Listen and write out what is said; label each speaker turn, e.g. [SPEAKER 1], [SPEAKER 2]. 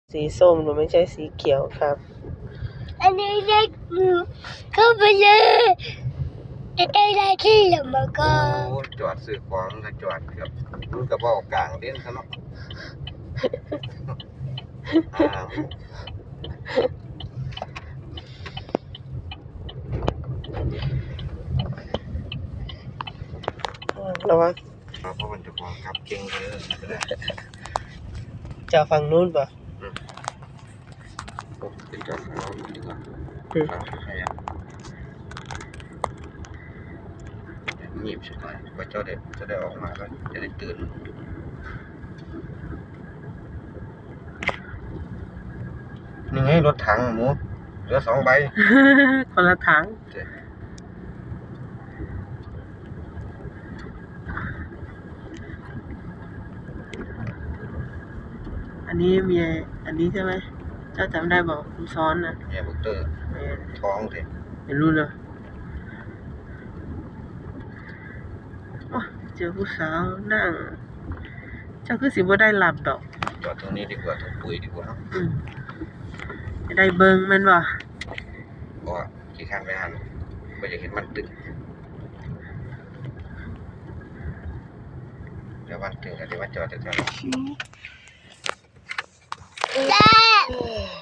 [SPEAKER 1] สีส้มหนูไม่ใช่สีเขียวครับ
[SPEAKER 2] อันนี้เล็กมือเข้าไปเลยจะได้ที่หรือมาก็
[SPEAKER 3] จอดซื้อของก็จอดครับมันก็บอกกลางเด่นซะเนาะ
[SPEAKER 1] ระวัง
[SPEAKER 3] เพราะมันจะของขับเก่งเลย
[SPEAKER 1] จะฝั่งนู้นป่ะ
[SPEAKER 3] เป็นจอดของเราดีกว่าเงียบสักหน่อยว่าเจ้าเด็กจะได้ออกมาก็จะได้ตื่นนี่ไงรถถังหมูเหลือ2 ใบ
[SPEAKER 1] คนละถังอันนี้มีอันนี้ใช่ไหมเจ้าจำได้บอกคุณซ้อนนะ
[SPEAKER 3] เนี่ยบุกเตอร์ท้องสิ
[SPEAKER 1] เห็นรู้เลยเจอผู้สาวนั่งเจ้าคือสิบ่ได้หลับดอก
[SPEAKER 3] จอดตรงนี้ดีกว่าตรงปุ๋ยดีกว่า
[SPEAKER 1] จะได้เบิ่งมันบ่
[SPEAKER 3] เพราะว่าขี่ข้างไปหันก็จะเห็นมันตึงเดี๋ยวมันตึงเดี๋ยวมันจอดจะจอด